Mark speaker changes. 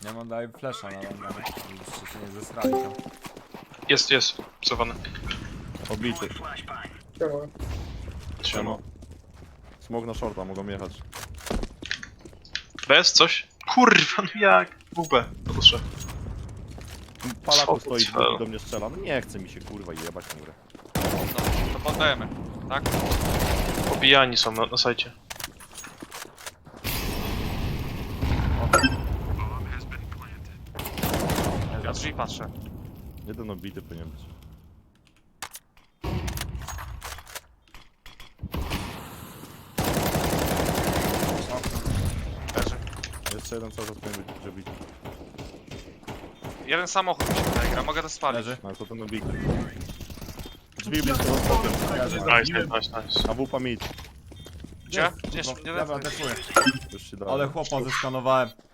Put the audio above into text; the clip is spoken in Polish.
Speaker 1: Ja mam daję flesza na longa, żebyście się nie zesrali tam.
Speaker 2: Jest, cofany.
Speaker 3: Obity.
Speaker 4: Siema.
Speaker 2: Siema.
Speaker 3: Smog na shorta, mogą jechać.
Speaker 2: Bez coś? Kurwa, no jak? WB, proszę.
Speaker 3: Palaku
Speaker 2: Co
Speaker 3: stoi,
Speaker 2: to?
Speaker 3: drugi do mnie strzela. No nie chce mi się kurwa jebać murę.
Speaker 5: No, to poddajemy, tak?
Speaker 2: Pobijani są na sajcie.
Speaker 5: Ja drzwi patrzę.
Speaker 3: Jeden obity powinien być.
Speaker 5: Leży.
Speaker 3: Jeszcze jeden cały czas powinien być obity.
Speaker 5: Jeden samochód mi się tutaj gra, mogę to spalić.
Speaker 1: Leży.
Speaker 3: No to ten obity. Drzwi blisko z bokiem.
Speaker 2: Nice.
Speaker 3: A wupa mid.
Speaker 5: Gdzie? Gdzie?
Speaker 1: No,
Speaker 5: Nie,
Speaker 1: dobra, defuję.
Speaker 3: Już się dało.
Speaker 1: Ale chłopa zeskanowałem.